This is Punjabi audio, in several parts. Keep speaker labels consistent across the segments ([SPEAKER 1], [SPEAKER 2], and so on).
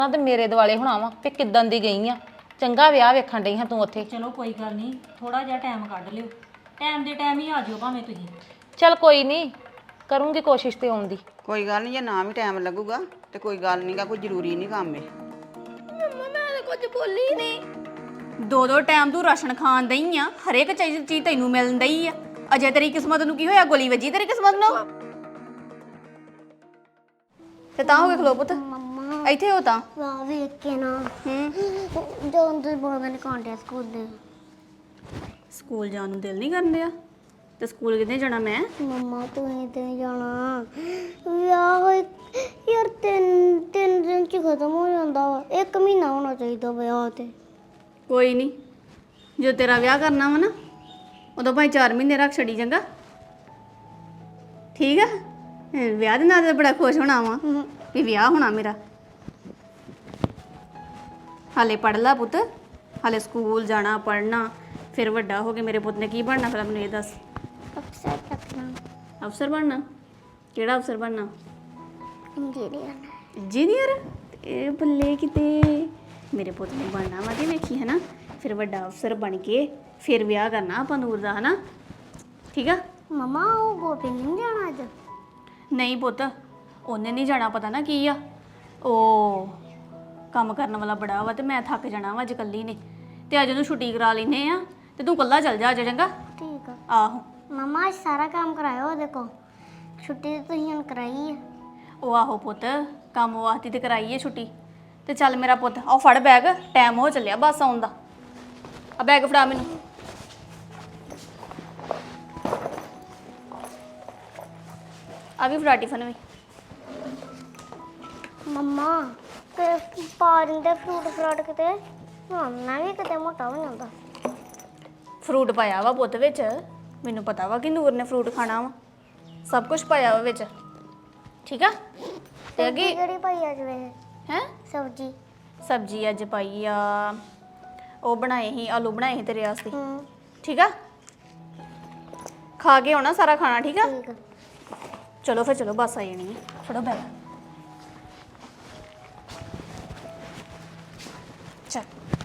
[SPEAKER 1] ਤੇ ਮੇਰੇ ਦਿਵਾਲੇ ਹੋਣਾ ਵਾ ਤੇ ਕਿੱਦਾਂ ਦੀ ਗਈ ਆ। ਚੰਗਾ ਵਿਆਹ ਵੇਖਣ ਡਈ ਹਾਂ ਤੂੰ ਉੱਥੇ।
[SPEAKER 2] ਚਲੋ ਕੋਈ ਗੱਲ ਨਹੀਂ, ਥੋੜਾ ਜਿਹਾ ਟਾਈਮ ਕੱਢ ਲਿਓ। ਟਾਈਮ ਦੇ ਟਾਈਮ ਹੀ ਆ ਜਿਓ ਭਾਵੇਂ ਤੁਸੀਂ।
[SPEAKER 1] ਚੱਲ ਕੋਈ ਨਹੀਂ, ਕਰੂੰਗੀ ਕੋਸ਼ਿਸ਼ ਤੇ ਆਉਣ ਦੀ।
[SPEAKER 3] ਕੋਈ ਗੱਲ ਨਹੀਂ, ਜੇ ਨਾ ਵੀ ਟਾਈਮ ਲੱਗੂਗਾ ਤੇ ਕੋਈ ਗੱਲ ਨਹੀਂਗਾ, ਕੋਈ ਜ਼ਰੂਰੀ ਨਹੀਂ ਕੰਮ ਏ।
[SPEAKER 4] ਮੰਮਾ ਮੈਂ ਤਾਂ ਕੁਝ ਬੋਲੀ ਨਹੀਂ। ਦੋ ਟਾਈਮ ਤੂੰ ਰਾਸ਼ਨ ਖਾਣ ਦਈ ਆ, ਹਰੇਕ ਚੀਜ਼ ਤੈਨੂੰ ਮਿਲਣ ਦਈ ਆ। ਅਜੇ ਤੇਰੀ ਕਿਸਮਤ ਨੂੰ ਕੀ ਹੋਇਆ? ਗੋਲੀ ਵੱਜੀ ਤੇਰੀ ਕਿਸਮਤ ਨੂੰ। ਤੇ ਤਾਂ ਹੋ ਗਏ ਖਲੋ ਪੁੱਤ, ਇੱਥੇ ਹੋ ਤਾਂ
[SPEAKER 5] ਵਾਹ ਵੇਖ ਕੇ ਨਾ ਜਦੋਂ ਤੁਸੀਂ ਬੋਲਦੇ ਨੇ ਕਾਂਟੇ ਸਕੂਲ ਦੇ।
[SPEAKER 4] ਸਕੂਲ ਜਾਣ ਨੂੰ ਦਿਲ ਨਹੀਂ ਕਰਨ ਡਿਆ ਤੇ ਸਕੂਲ ਕਿੱਥੇ ਜਾਣਾ ਮੈਂ?
[SPEAKER 5] ਮੰਮਾ ਤੁਸੀਂ ਤੇ ਨੀ ਜਾਣਾ। ਵਿਆਹ ਹੋਏ ਯਾਰ ਤਿੰਨ ਦਿਨ ਚ ਖਤਮ ਹੋ ਜਾਂਦਾ ਵਾ। 1 ਮਹੀਨਾ ਹੋਣਾ ਚਾਹੀਦਾ ਵਿਆਹ ਤੇ।
[SPEAKER 4] ਕੋਈ ਨਹੀਂ, ਜੋ ਤੇਰਾ ਵਿਆਹ ਕਰਨਾ ਵਾ ਨਾ ਉਦੋਂ ਭਾਈ 4 ਮਹੀਨੇ ਰੱਖ ਛੜੀ ਚੰਗਾ, ਠੀਕ ਆ? ਵਿਆਹ ਦੇ ਨਾਲ ਤਾਂ ਬੜਾ ਖੁਸ਼ ਹੋਣਾ ਵਾ ਵੀ ਵਿਆਹ ਹੋਣਾ ਮੇਰਾ। ਹਾਲੇ ਪੜ੍ਹ ਲਾ ਪੁੱਤ, ਹਾਲੇ ਸਕੂਲ ਜਾਣਾ, ਪੜ੍ਹਨਾ, ਫਿਰ ਵੱਡਾ ਹੋ ਕੇ ਮੇਰੇ ਪੁੱਤ ਨੇ ਕੀ ਬਣਨਾ? ਫਿਰ ਮੈਨੂੰ ਇਹ ਦੱਸ।
[SPEAKER 5] ਅਫਸਰ ਤੱਕਣਾ।
[SPEAKER 4] ਅਫਸਰ ਬਣਨਾ? ਕਿਹੜਾ ਅਫਸਰ ਬਣਨਾ?
[SPEAKER 5] ਇੰਜੀਨੀਅਰ।
[SPEAKER 4] ਇੰਜੀਨੀਅਰ? ਇਹ ਬੱਲੇ ਕਿਤੇ, ਮੇਰੇ ਪੁੱਤ ਨੇ ਬਣਨਾ ਵਾ ਤੇ ਵੇਖੀ ਹੈ ਨਾ, ਫਿਰ ਵੱਡਾ ਅਫਸਰ ਬਣ ਕੇ ਫਿਰ ਵਿਆਹ ਕਰਨਾ ਆਪਾਂ ਨੂਰ ਦਾ, ਹੈ ਨਾ? ਠੀਕ ਆ?
[SPEAKER 5] ਮਮਾ ਉਹ ਗੋਪੀ ਨਹੀਂ ਜਾਣਾ ਅੱਜ?
[SPEAKER 4] ਨਹੀਂ ਪੁੱਤ, ਉਹਨੇ ਨਹੀਂ ਜਾਣਾ। ਪਤਾ ਨਾ ਕੀ ਆ, ਉਹ ਕੰਮ ਕਰਨ ਵਾਲਾ ਬੜਾ ਵਾ ਤੇ ਮੈਂ ਥੱਕ ਜਾਣਾ ਵਾ ਅੱਜ ਇਕੱਲੀ ਨੇ, ਤੇ ਅੱਜ ਉਹਨੂੰ ਛੁੱਟੀ ਕਰਾ ਲੈਨੇ ਆ ਤੇ ਤੂੰ ਇਕੱਲਾ ਚੱਲ ਜਾ ਅੱਜ, ਚੰਗਾ?
[SPEAKER 5] ਠੀਕ ਆ।
[SPEAKER 4] ਆਹੋ।
[SPEAKER 5] ਮਮਾ ਅੱਜ ਸਾਰਾ ਕੰਮ ਕਰਾਇਓ ਉਹਦੇ ਕੋਲ। ਛੁੱਟੀ ਤਾਂ ਤੁਸੀਂ ਹੁਣ ਕਰਾਈ ਹੈ।
[SPEAKER 4] ਉਹ ਆਹੋ ਪੁੱਤ, ਕੰਮ ਵਾਸਤੇ ਤੇ ਕਰਾਈ ਏ ਛੁੱਟੀ। ਤੇ ਚੱਲ ਮੇਰਾ ਪੁੱਤ, ਆਹ ਫੜ ਬੈਗ, ਟਾਈਮ ਹੋ ਚੱਲਿਆ ਬੱਸ ਆਉਣ ਦਾ। ਆ ਬੈਗ ਫੜਾ ਮੈਨੂੰ। ਆ ਵੀ ਫੜਾ ਟਿਫਨ ਵੀ।
[SPEAKER 5] ਮੰਮਾ ਤੇ ਪਾਣੀ ਦੇ ਫਰੂਟ ਕਿਤੇ ਮੈਂ ਵੀ ਕਿਤੇ ਮੋਟਾ ਹੋ ਜਾਂਦਾ।
[SPEAKER 4] ਫਰੂਟ ਪਾਇਆ ਵਾ ਪੁੱਤ ਵਿੱਚ, ਮੈਨੂੰ ਪਤਾ ਵਾ ਕਿ ਨੂਰ ਨੇ ਫਰੂਟ ਖਾਣਾ ਵਾ, ਸਭ ਕੁਝ ਪਾਇਆ ਵਾ ਵਿੱਚ, ਠੀਕ ਆ? ਤੇ ਅੱਗੇ
[SPEAKER 5] ਕਿਹੜੀ ਪਾਈ ਅੱਜ ਵੇ
[SPEAKER 4] ਹੈ
[SPEAKER 5] ਸਬਜ਼ੀ?
[SPEAKER 4] ਸਬਜ਼ੀ ਅੱਜ ਪਾਈ ਆ, ਉਹ ਬਣਾਏ ਸੀ, ਆਲੂ ਬਣਾਏ ਸੀ ਤੇਰੇ ਵਾਸਤੇ,
[SPEAKER 5] ਹੂੰ
[SPEAKER 4] ਠੀਕ ਆ? ਖਾ ਕੇ ਆਉਣਾ ਸਾਰਾ ਖਾਣਾ, ਠੀਕ ਆ?
[SPEAKER 5] ਠੀਕ ਆ।
[SPEAKER 4] ਚਲੋ ਫਿਰ, ਚਲੋ ਬੱਸ ਆ ਜਾਣੀ ਹੈ, ਫੜੋ ਬੈਗ। ਚੱਲ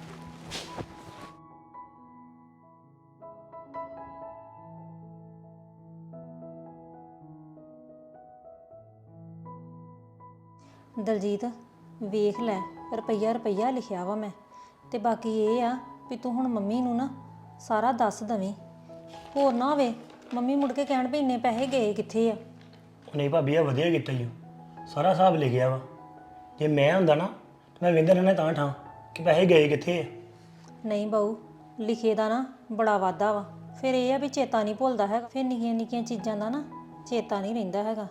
[SPEAKER 2] ਦਲਜੀਤ ਵੇਖ ਲੈ, ਰੁਪਈਆ ਲਿਖਿਆ ਵਾ ਮੈਂ, ਤੇ ਬਾਕੀ ਇਹ ਆ ਵੀ ਤੂੰ ਹੁਣ ਮੰਮੀ ਨੂੰ ਨਾ ਸਾਰਾ ਦੱਸ ਦਵੀਂ। ਹੋਰ ਨਾ ਹੋਵੇ ਮੰਮੀ ਮੁੜ ਕੇ ਕਹਿਣ ਵੀ ਇੰਨੇ ਪੈਸੇ ਗਏ ਕਿੱਥੇ ਆ।
[SPEAKER 6] ਨਹੀਂ ਭਾਬੀ, ਆ ਵਧੀਆ ਕੀਤਾ ਜੀ, ਸਾਰਾ ਹਿਸਾਬ ਲਿਖਿਆ ਵਾ। ਜੇ ਮੈਂ ਹੁੰਦਾ ਨਾ ਤਾਂ ਮੈਂ ਵੇਂਦਾ ਰਹਿਣਾ ਤਾਂ ਠਾਂ ਕਿ ਪੈਸੇ ਗਏ ਕਿੱਥੇ ਆ।
[SPEAKER 2] ਨਹੀਂ ਬਾਊ, ਲਿਖੇ ਦਾ ਨਾ ਬੜਾ ਵਾਧਾ ਵਾ, ਫਿਰ ਇਹ ਆ ਵੀ ਚੇਤਾ ਨਹੀਂ ਭੁੱਲਦਾ ਹੈਗਾ, ਫਿਰ ਨਿੱਕੀਆਂ ਨਿੱਕੀਆਂ ਚੀਜ਼ਾਂ ਦਾ ਨਾ ਚੇਤਾ ਨਹੀਂ ਰਹਿੰਦਾ ਹੈਗਾ।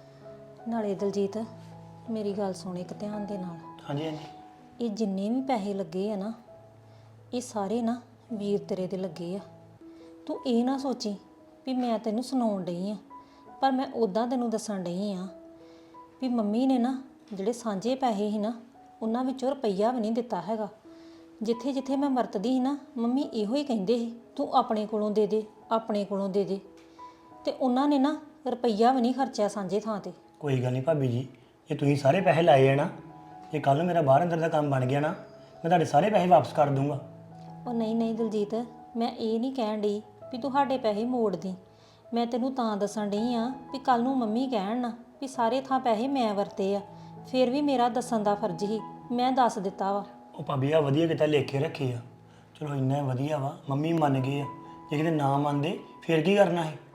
[SPEAKER 2] ਨਾਲੇ ਦਲਜੀਤ ਮੇਰੀ ਗੱਲ ਸੁਣ ਇੱਕ ਧਿਆਨ ਦੇ ਨਾਲ।
[SPEAKER 6] ਹਾਂਜੀ ਹਾਂਜੀ।
[SPEAKER 2] ਇਹ ਜਿੰਨੇ ਵੀ ਪੈਸੇ ਲੱਗੇ ਆ ਨਾ, ਇਹ ਸਾਰੇ ਨਾ ਵੀਰ ਤੇਰੇ ਦੇ ਲੱਗੇ ਆ। ਤੂੰ ਇਹ ਨਾ ਸੋਚੀ ਵੀ ਮੈਂ ਤੈਨੂੰ ਸੁਣਾਉਣ ਡਈ ਆ, ਪਰ ਮੈਂ ਉਦਾਂ ਤੈਨੂੰ ਦੱਸਣ ਡਈ ਆ ਵੀ ਮੰਮੀ ਨੇ ਨਾ ਜਿਹੜੇ ਸਾਂਝੇ ਪੈਸੇ ਸੀ ਨਾ, ਉਹਨਾਂ ਵਿੱਚੋਂ ਰੁਪਈਆ ਵੀ ਨਹੀਂ ਦਿੱਤਾ ਹੈਗਾ। ਜਿੱਥੇ ਜਿੱਥੇ ਮੈਂ ਵਰਤਦੀ ਸੀ ਨਾ, ਮੰਮੀ ਇਹੋ ਹੀ ਕਹਿੰਦੇ ਸੀ ਤੂੰ ਆਪਣੇ ਕੋਲੋਂ ਦੇ ਦੇ, ਆਪਣੇ ਕੋਲੋਂ ਦੇ ਦੇ, ਤੇ ਉਹਨਾਂ ਨੇ ਨਾ ਰੁਪਈਆ ਵੀ ਨਹੀਂ ਖਰਚਿਆ ਸਾਂਝੇ ਥਾਂ ਤੇ।
[SPEAKER 6] ਕੋਈ ਗੱਲ ਨਹੀਂ ਭਾਬੀ ਜੀ, ਜੇ ਤੁਸੀਂ ਸਾਰੇ ਪੈਸੇ ਲਾਏ ਆ ਨਾ, ਜੇ ਕੱਲ ਨੂੰ ਮੇਰਾ ਬਾਹਰ ਅੰਦਰ ਦਾ ਕੰਮ ਬਣ ਗਿਆ ਨਾ, ਮੈਂ ਤੁਹਾਡੇ ਸਾਰੇ ਪੈਸੇ ਵਾਪਸ ਕਰ ਦੂੰਗਾ।
[SPEAKER 2] ਉਹ ਨਹੀਂ ਨਹੀਂ ਦਲਜੀਤ, ਮੈਂ ਇਹ ਨਹੀਂ ਕਹਿਣ ਡਈ ਵੀ ਤੂੰ ਸਾਡੇ ਪੈਸੇ ਮੋੜ ਦੀ। ਮੈਂ ਤੈਨੂੰ ਤਾਂ ਦੱਸਣ ਡਈ ਆ ਵੀ ਕੱਲ ਨੂੰ ਮੰਮੀ ਕਹਿਣ ਨਾ ਵੀ ਸਾਰੇ ਥਾਂ ਪੈਸੇ ਮੈਂ ਵਰਤੇ ਆ, ਫਿਰ ਵੀ ਮੇਰਾ ਦੱਸਣ ਦਾ ਫਰਜ਼ ਹੀ, ਮੈਂ ਦੱਸ ਦਿੱਤਾ ਵਾ।
[SPEAKER 6] ਉਹ ਭਾਬੀ ਆ ਵਧੀਆ ਕਿਤਾ ਲਿਖ ਕੇ ਰੱਖੇ ਆ, ਚਲੋ ਇੰਨਾ ਵਧੀਆ ਵਾ, ਮੰਮੀ ਮੰਨ ਗਏ ਆ। ਜੇ ਕਿਤੇ ਨਾ ਮੰਨਦੇ ਫਿਰ ਕੀ ਕਰਨਾ ਹੈ?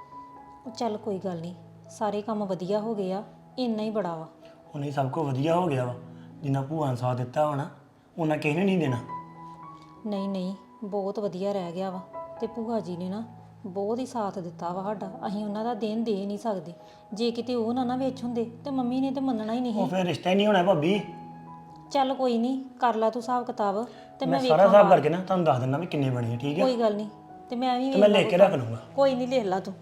[SPEAKER 2] ਉਹ ਚੱਲ ਕੋਈ ਗੱਲ ਨਹੀਂ, ਸਾਰੇ ਕੰਮ ਵਧੀਆ ਹੋ ਗਏ ਆ, ਇੰਨਾ ਹੀ ਬੜਾ ਵਾ।
[SPEAKER 6] ਹੁਣ ਇਹ ਸਭ ਕੁਝ ਵਧੀਆ ਹੋ ਗਿਆ ਵਾ, ਜਿੰਨਾ ਭੂਆ ਨੇ ਸਾਥ ਦਿੱਤਾ ਹੋਣਾ ਉਹਨਾਂ ਕਿਸੇ ਨੇ ਨਹੀਂ ਦੇਣਾ।
[SPEAKER 2] ਨਹੀਂ ਨਹੀਂ, ਬਹੁਤ ਵਧੀਆ ਰਹਿ ਗਿਆ ਵਾ, ਤੇ ਭੂਆ ਜੀ ਨੇ ਨਾ ਬਹੁਤ ਹੀ ਸਾਥ ਦਿੱਤਾ ਵਾ ਸਾਡਾ। ਅਸੀਂ ਉਹਨਾਂ ਦਾ ਦੇਣ ਦੇ ਨਹੀਂ ਸਕਦੇ, ਜੇ ਕਿਤੇ ਉਹ ਨਾ ਵਿੱਚ ਹੁੰਦੇ ਤੇ ਮੰਮੀ ਨੇ ਤੇ ਮੰਨਣਾ ਹੀ ਨਹੀਂ।
[SPEAKER 6] ਉਹ ਫਿਰ ਰਿਸ਼ਤਾ ਹੀ ਨਹੀਂ ਹੋਣਾ ਭਾਬੀ।
[SPEAKER 2] ਚੱਲ ਕੋਈ ਨਹੀਂ, ਕਰ ਲਾ ਤੂੰ ਹਿਸਾਬ ਕਿਤਾਬ, ਤੇ
[SPEAKER 6] ਮੈਂ
[SPEAKER 2] ਮੈਂ
[SPEAKER 6] ਸਾਰਾ
[SPEAKER 2] ਵੇਖਾਂ
[SPEAKER 6] ਹਿਸਾਬ ਕਰਕੇ ਨਾ ਤੁਹਾਨੂੰ ਦੱਸ ਦਿੰਦਾ ਵੀ ਕਿੰਨੇ ਬਣੇ ਆ, ਠੀਕ ਹੈ?
[SPEAKER 2] ਕੋਈ ਗੱਲ ਨਹੀਂ, ਤੇ ਮੈਂ ਵੀ
[SPEAKER 6] ਤੇ ਮੈਂ ਲਿਖ ਕੇ ਰੱਖ ਲੂੰਗਾ।
[SPEAKER 2] ਕੋਈ ਨਹੀਂ, ਲਿਖ ਲਾ ਤੂੰ।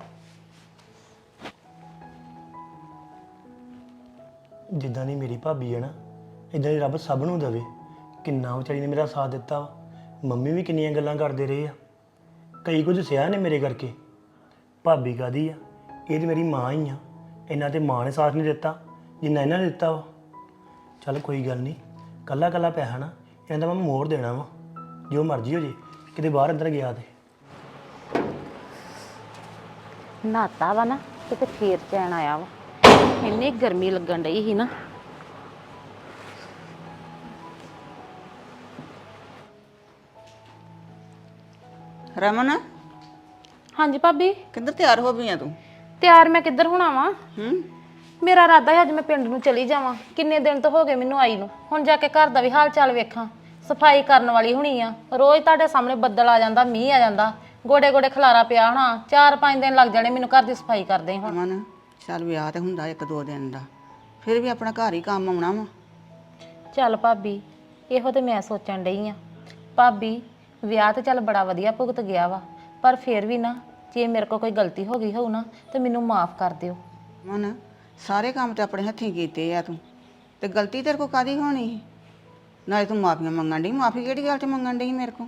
[SPEAKER 6] ਜਿੱਦਾਂ ਦੀ ਮੇਰੀ ਭਾਬੀ ਹੈ ਨਾ, ਇਦਾਂ ਦੀ ਰੱਬ ਸਭ ਨੂੰ ਦੇਵੇ। ਕਿੰਨਾ ਵਿਚਾਰੀ ਨੇ ਮੇਰਾ ਸਾਥ ਦਿੱਤਾ ਵਾ, ਮੰਮੀ ਵੀ ਕਿੰਨੀਆਂ ਗੱਲਾਂ ਕਰਦੇ ਰਹੇ ਆ, ਕਈ ਕੁਝ ਸਿਆ ਨੇ ਮੇਰੇ ਕਰਕੇ। ਭਾਬੀ ਕਾਦੀ ਆ, ਇਹ ਤੇ ਮੇਰੀ ਮਾਂ ਹੀ ਆ। ਇਹਨਾਂ ਤੇ ਮਾਂ ਨੇ ਸਾਥ ਨਹੀਂ ਦਿੱਤਾ ਜਿੰਨਾ ਇਹਨਾਂ ਨੇ ਦਿੱਤਾ ਵਾ। ਚੱਲ ਕੋਈ ਗੱਲ ਨਹੀਂ, ਕੱਲਾ ਕੱਲਾ ਪੈਸਾ ਨਾ ਇਹਨਾਂ ਦਾ ਮੈਂ ਮੋੜ ਦੇਣਾ ਵਾ ਜੋ ਮਰਜ਼ੀ ਹੋ ਜੇ ਕਿਤੇ ਬਾਹਰ ਅੰਦਰ ਗਿਆ ਤੇ
[SPEAKER 1] ਨਹਾਤਾ ਵਾ ਨਾ ਤੇ ਫੇਰ ਚੈਨ ਆਇਆ ਵਾ ਇੰਨੀ ਗਰਮੀ ਲੱਗਣ ਡਈ ਸੀ ਨਾ।
[SPEAKER 3] ਰਮਨ
[SPEAKER 1] ਹਾਂਜੀ ਭਾਬੀ।
[SPEAKER 3] ਕਿੱਧਰ ਤਿਆਰ ਹੋ ਗਈ ਆ ਤੂੰ?
[SPEAKER 1] ਤਿਆਰ ਮੈਂ ਕਿੱਧਰ ਹੋਣਾ ਵਾ?
[SPEAKER 3] ਹੂੰ
[SPEAKER 1] ਮੇਰਾ ਇਰਾਦਾ ਹੈ ਅੱਜ ਮੈਂ ਪਿੰਡ ਨੂੰ ਚਲੀ ਜਾਵਾਂ। ਕਿੰਨੇ ਦਿਨ ਤੋਂ ਹੋ ਗਏ ਮੈਨੂੰ ਆਈ ਨੂੰ। ਹੁਣ ਜਾ ਕੇ ਘਰ ਦਾ ਵੀ ਹਾਲ ਚਾਲ ਵੇਖਾਂ। ਸਫਾਈ ਕਰਨ ਵਾਲੀ ਹੋਣੀ ਆ। ਰੋਜ਼ ਤੁਹਾਡੇ ਸਾਹਮਣੇ ਬੱਦਲ ਆ ਜਾਂਦਾ, ਮੀਂਹ ਆ ਜਾਂਦਾ, ਗੋਡੇ ਗੋਡੇ ਖਲਾਰਾ ਪਿਆ ਹੋਣਾ। 4-5 ਦਿਨ ਲੱਗ ਜਾਣੇ ਮੈਨੂੰ ਘਰ ਦੀ ਸਫਾਈ ਕਰਦੇ ਹੁਣ।
[SPEAKER 3] ਰਮਨ ਚੱਲ ਵਿਆਹ ਤੇ ਹੁੰਦਾ 1-2 ਦਿਨ ਦਾ, ਫਿਰ ਵੀ ਆਪਣਾ ਘਰ ਹੀ ਕੰਮ ਆਉਣਾ ਵਾ।
[SPEAKER 1] ਚੱਲ ਭਾਬੀ ਇਹੋ ਤੇ ਮੈਂ ਸੋਚਣ ਡਈ ਆ। ਭਾਬੀ ਵਿਆਹ ਤੇ ਚੱਲ ਬੜਾ ਵਧੀਆ ਭੁਗਤ ਗਿਆ ਵਾ, ਪਰ ਫਿਰ ਵੀ ਨਾ ਜੇ ਮੇਰੇ ਕੋਲ ਕੋਈ ਗਲਤੀ ਹੋ ਗਈ ਹੋਊ ਨਾ ਤੇ ਮੈਨੂੰ ਮਾਫ ਕਰ ਦਿਓ।
[SPEAKER 3] ਰਮਨ ਸਾਰੇ ਕੰਮ ਤੇ ਆਪਣੇ ਹੱਥੀਂ ਕੀਤੇ ਆ ਤੂੰ, ਤੇ ਗਲਤੀ ਤੇਰੇ ਕੋਲ ਕਾਦੀ ਹੋਣੀ ਸੀ? ਨਾਲੇ ਤੂੰ ਮਾਫੀਆਂ ਮੰਗਣ ਡਈ। ਮਾਫੀ ਕਿਹੜੀ ਗੱਲ 'ਚ ਮੰਗਣ ਡਈ ਮੇਰੇ ਕੋਲ?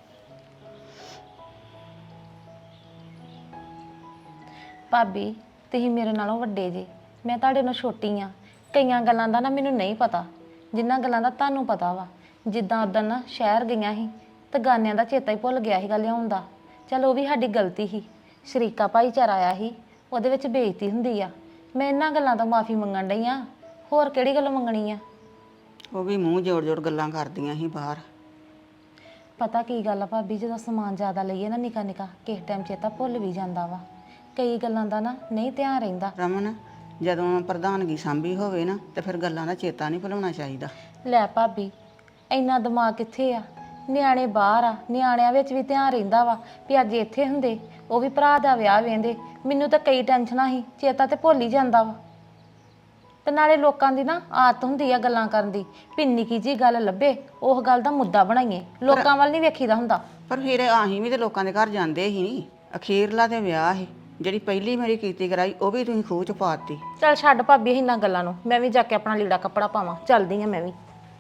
[SPEAKER 1] ਭਾਬੀ ਤੁਸੀਂ ਮੇਰੇ ਨਾਲੋਂ ਵੱਡੇ ਜੇ, ਮੈਂ ਤੁਹਾਡੇ ਨਾਲੋਂ ਛੋਟੀ ਆ। ਕਈਆਂ ਗੱਲਾਂ ਦਾ ਨਾ ਮੈਨੂੰ ਨਹੀਂ ਪਤਾ, ਜਿੰਨਾਂ ਗੱਲਾਂ ਦਾ ਤੁਹਾਨੂੰ ਪਤਾ ਵਾ। ਜਿੱਦਾਂ ਉਦੋਂ ਨਾ ਸ਼ਹਿਰ ਗਈਆਂ ਸੀ ਤੇ ਗਾਨਿਆਂ ਦਾ ਚੇਤਾ ਹੀ ਭੁੱਲ ਗਿਆ ਸੀਗਾ ਲਿਆਉਣ ਦਾ। ਚਲ ਉਹ ਵੀ ਸਾਡੀ ਗਲਤੀ ਸੀ। ਸ਼ਰੀਕਾ ਭਾਈਚਾਰਾ ਆਇਆ ਸੀ, ਉਹਦੇ ਵਿੱਚ ਬੇਇੱਜ਼ਤੀ ਹੁੰਦੀ ਆ। ਮੈਂ ਇਹਨਾਂ ਗੱਲਾਂ ਤੋਂ ਮਾਫੀ ਮੰਗਣ ਡਈ ਆ, ਹੋਰ ਕਿਹੜੀ ਗੱਲ ਮੰਗਣੀ ਆ?
[SPEAKER 3] ਉਹ ਵੀ ਮੂੰਹ ਜੋੜ ਜੋੜ ਗੱਲਾਂ ਕਰਦੀਆਂ ਸੀ ਬਾਹਰ।
[SPEAKER 1] ਪਤਾ ਕੀ ਗੱਲ ਆ ਭਾਬੀ, ਜਦੋਂ ਸਮਾਨ ਜ਼ਿਆਦਾ ਲਈਏ ਨਾ ਨਿੱਕਾ ਨਿੱਕਾ ਕਿਸੇ ਟਾਈਮ ਚੇਤਾ ਭੁੱਲ ਵੀ ਜਾਂਦਾ ਵਾ। ਕਈ ਗੱਲਾਂ ਦਾ ਨਾ ਨਹੀਂ ਧਿਆਨ ਰਹਿੰਦਾ।
[SPEAKER 3] ਰਮਨ ਜਦੋਂ ਪ੍ਰਧਾਨਗੀ ਸਾਂਭੀ ਹੋਵੇ ਨਾ ਤੇ ਫਿਰ ਗੱਲਾਂ ਦਾ ਚੇਤਾ ਨਹੀਂ ਭੁਲਾਉਣਾ ਚਾਹੀਦਾ।
[SPEAKER 1] ਲੈ ਭਾਬੀ ਇੰਨਾ ਦਿਮਾਗ ਕਿੱਥੇ ਆ? ਨਿਆਣੇ ਬਾਹਰ ਆ, ਨਿਆਣਿਆਂ ਵਿੱਚ ਵੀ ਧਿਆਨ ਰਹਿੰਦਾ ਵਾ ਵੀ ਅੱਜ ਇੱਥੇ ਹੁੰਦੇ, ਉਹ ਵੀ ਭਰਾ ਦਾ ਵਿਆਹ ਵੇਂਦੇ। ਮੈਨੂੰ ਤਾਂ ਕਈ ਟੈਨਸ਼ਨਾਂ ਸੀ, ਚੇਤਾ ਤੇ ਭੁੱਲ ਹੀ ਜਾਂਦਾ ਵਾ। ਤੇ ਨਾਲੇ ਲੋਕਾਂ ਦੀ ਨਾ ਆਦਤ ਹੁੰਦੀ ਆ ਗੱਲਾਂ ਕਰਨ ਦੀ, ਵੀ ਨਿੱਕੀ ਜੀ ਗੱਲ ਲੱਭੇ ਉਹ ਗੱਲ ਦਾ ਮੁੱਦਾ ਬਣਾਈਏ। ਲੋਕਾਂ ਵੱਲ ਨਹੀਂ ਵੇਖੀਦਾ ਹੁੰਦਾ।
[SPEAKER 3] ਪਰ ਫਿਰ ਆਹੀਂ ਵੀ ਤੇ ਲੋਕਾਂ ਦੇ ਘਰ ਜਾਂਦੇ ਹੀ ਨਹੀਂ। ਅਖੀਰਲਾ ਤੇ ਵਿਆਹ ਸੀ, ਜਿਹੜੀ ਪਹਿਲੀ ਮੇਰੀ ਕੀਤੀ ਕਰਾਈ ਉਹ ਵੀ ਤੁਸੀਂ ਖੂਹ ਚ ਪਾਤੀ।
[SPEAKER 1] ਚੱਲ ਛੱਡ ਭਾਬੀ ਇਹਨਾਂ ਗੱਲਾਂ ਨੂੰ, ਮੈਂ ਵੀ ਜਾ ਕੇ ਆਪਣਾ ਲੀੜਾ ਕੱਪੜਾ ਪਾਵਾਂ। ਚੱਲਦੀ ਆ ਮੈਂ ਵੀ।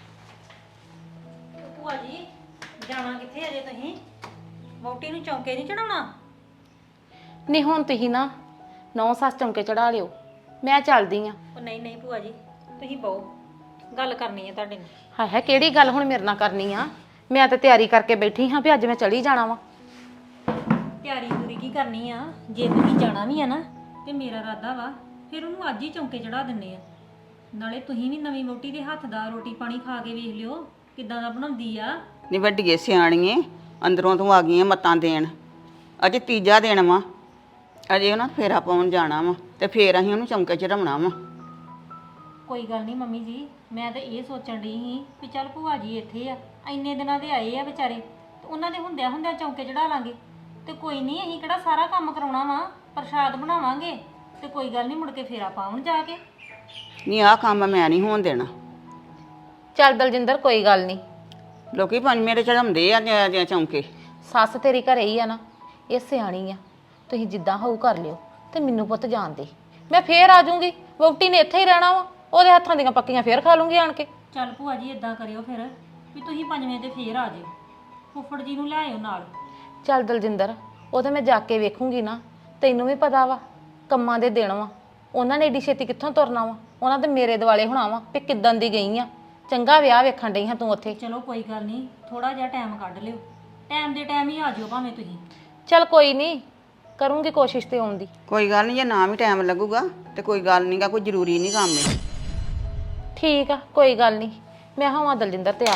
[SPEAKER 2] ਭੂਆ ਜੀ ਜਾਣਾ ਕਿੱਥੇ ਅਜੇ ਤੁਸੀਂ? ਵਹੁਟੀ ਨੂੰ ਚੌਂਕੇ ਨਹੀਂ ਚੜਾਉਣਾ?
[SPEAKER 1] ਨਹੀਂ ਹੁਣ ਤੁਸੀਂ ਨਾ 9 ਸੱਸ ਚੌਂਕੇ ਚੜਾ ਲਿਓ, ਮੈਂ ਚੱਲਦੀ ਆ।
[SPEAKER 2] ਉਹ ਨਹੀਂ ਨਹੀਂ ਭੂਆ ਜੀ ਤੁਸੀਂ ਬਹੁ ਗੱਲ ਕਰਨੀ ਹੈ ਤੁਹਾਡੇ ਨਾਲ।
[SPEAKER 1] ਹਾਏ ਹਾਏ ਕਿਹੜੀ ਗੱਲ ਹੁਣ ਮੇਰੇ ਨਾਲ ਕਰਨੀ ਆ? ਮੈਂ ਤਾਂ ਤਿਆਰੀ ਕਰਕੇ ਬੈਠੀ ਹਾਂ ਵੀ ਅੱਜ ਮੈਂ ਚਲੀ ਜਾਣਾ ਵਾ।
[SPEAKER 2] ਤਿਆਰੀ ਪੂਰੀ ਕੀ ਕਰਨੀ ਆ? ਜੇ ਤੁਸੀਂ ਜਾਣਾ ਵੀ ਆ ਨਾ ਤੇ ਮੇਰਾ ਇਰਾਦਾ ਵਾ ਫਿਰ ਉਹਨੂੰ ਅੱਜ ਹੀ ਚੌਂਕੇ ਚੜਾ ਦਿੰਨੇ ਆ। ਨਾਲੇ ਤੁਸੀਂ ਵੀ ਨਵੀਂ ਵਹੁਟੀ ਦੇ ਹੱਥ ਦਾ ਰੋਟੀ ਪਾਣੀ ਖਾ ਕੇ ਵੇਖ ਲਿਓ ਕਿੱਦਾਂ ਦਾ ਬਣਾਉਂਦੀ ਆ।
[SPEAKER 3] ਨੀ ਵੱਡੀਏ ਸਿਆਣੀਏ, ਅੰਦਰੋਂ ਤੂੰ ਆ ਗਈਆਂ ਮੱਤਾਂ ਦੇਣ। ਅਜੇ ਤੀਜਾ ਦਿਨ ਵਾ, ਅਜੇ ਉਹਨਾਂ ਫੇਰਾ ਪਾਉਣ ਜਾਣਾ ਵਾ ਤੇ ਫੇਰ ਅਸੀਂ ਉਹਨੂੰ ਚੌਂਕੇ ਚੜਾਉਣਾ ਵਾ।
[SPEAKER 2] ਕੋਈ ਗੱਲ ਨਹੀਂ ਮੰਮੀ ਜੀ, ਮੈਂ ਤਾਂ ਇਹ ਸੋਚਣ ਡਈ ਸੀ ਵੀ ਚੱਲ ਭੂਆ ਜੀ ਇੱਥੇ ਆ, ਇੰਨੇ ਦਿਨਾਂ ਦੇ ਆਏ ਆ ਵਿਚਾਰੇ, ਤੇ ਉਹਨਾਂ ਦੇ ਹੁੰਦਿਆਂ ਹੁੰਦਿਆਂ ਚੌਂਕੇ ਚੜਾ ਲਾਂਗੇ। ਤੇ ਕੋਈ ਨਹੀਂ ਅਸੀਂ ਕਿਹੜਾ ਸਾਰਾ ਕੰਮ ਕਰਾਉਣਾ ਵਾ, ਪ੍ਰਸ਼ਾਦ ਬਣਾਵਾਂਗੇ ਤੇ ਕੋਈ ਗੱਲ ਨਹੀਂ ਮੁੜ ਕੇ ਫੇਰਾ ਪਾਉਣ ਜਾ ਕੇ।
[SPEAKER 3] ਨਹੀਂ ਆਹ ਕੰਮ ਮੈਂ ਨਹੀਂ ਹੋਣ ਦੇਣਾ।
[SPEAKER 1] ਚੱਲ ਦਲਜਿੰਦਰ ਕੋਈ ਗੱਲ ਨਹੀਂ,
[SPEAKER 3] ਲੋਕੀ ਪੰਜਵੇਂ ਤੇ ਚੜਾਉਂਦੇ ਆ ਚੌਂਕੇ।
[SPEAKER 1] ਸੱਸ ਤੇਰੀ ਘਰੇ ਹੀ ਆ ਨਾ, ਇਹ ਸਿਆਣੀ ਆ। ਤੁਸੀਂ ਜਿੱਦਾਂ ਹੋਊ ਕਰ ਲਿਓ ਤੇ ਮੈਨੂੰ ਪੁੱਤ ਜਾਣ ਦੇ, ਮੈਂ ਫੇਰ ਆ ਜਾਊਂਗੀ। ਵਹੁਟੀ ਨੇ ਇੱਥੇ ਹੀ ਰਹਿਣਾ ਵਾ, ਉਹਦੇ ਹੱਥਾਂ ਦੀਆਂ ਪੱਕੀਆਂ ਫੇਰ ਖਾ ਲੂੰਗੀ ਆਣ ਕੇ।
[SPEAKER 2] ਚੱਲ ਭੂਆ ਜੀ ਇਦਾਂ ਕਰਿਓ ਫਿਰ ਵੀ ਤੁਸੀਂ ਪੰਜਵੇਂ ਤੇ ਫੇਰ ਆ ਜਿਓ, ਫੁੱਫੜ ਜੀ ਨੂੰ ਲੈ ਆਇਓ ਨਾਲ।
[SPEAKER 1] ਚੱਲ ਦਲਜਿੰਦਰ ਉਹ ਤਾਂ ਮੈਂ ਜਾ ਕੇ ਵੇਖੂੰਗੀ ਨਾ। ਤੈਨੂੰ ਵੀ ਪਤਾ ਵਾ ਕੰਮਾਂ ਦੇ ਦਿਨ ਵਾ, ਉਹਨਾਂ ਨੇ ਏਡੀ ਛੇਤੀ ਕਿੱਥੋਂ ਤੁਰਨਾ ਵਾ? ਉਹਨਾਂ ਤੇ ਮੇਰੇ ਦਿਵਾਲੇ ਹੋਣਾ ਵਾ ਵੀ ਕਿੱਦਾਂ ਦੀ ਗਈ ਆ। ਚੰਗਾ ਵਿਆਹ ਵੇਖਣ ਡਈ ਹਾਂ ਤੂੰ ਉੱਥੇ।
[SPEAKER 2] ਚਲੋ ਕੋਈ ਗੱਲ ਨਹੀਂ, ਥੋੜਾ ਜਿਹਾ ਟਾਈਮ ਕੱਢ ਲਿਓ, ਟਾਈਮ ਦੇ ਟਾਈਮ ਹੀ ਆ ਜਿਓ ਭਾਵੇਂ ਤੁਸੀਂ।
[SPEAKER 1] ਚੱਲ ਕੋਈ ਨਹੀਂ, ਕਰੂੰਗੀ ਕੋਸ਼ਿਸ਼ ਤੇ ਆਉਣ ਦੀ।
[SPEAKER 3] ਕੋਈ ਗੱਲ ਨਹੀਂ, ਜੇ ਨਾ ਵੀ ਟਾਈਮ ਲੱਗੂਗਾ ਤੇ ਕੋਈ ਗੱਲ ਨਹੀਂਗਾ, ਕੋਈ ਜ਼ਰੂਰੀ ਨਹੀਂ ਕੰਮ ਹੈ।
[SPEAKER 1] ਠੀਕ ਆ ਕੋਈ ਗੱਲ ਨਹੀਂ, ਮੈਂ ਹੋਵਾਂ ਦਲਜਿੰਦਰ ਤਿਆਰ।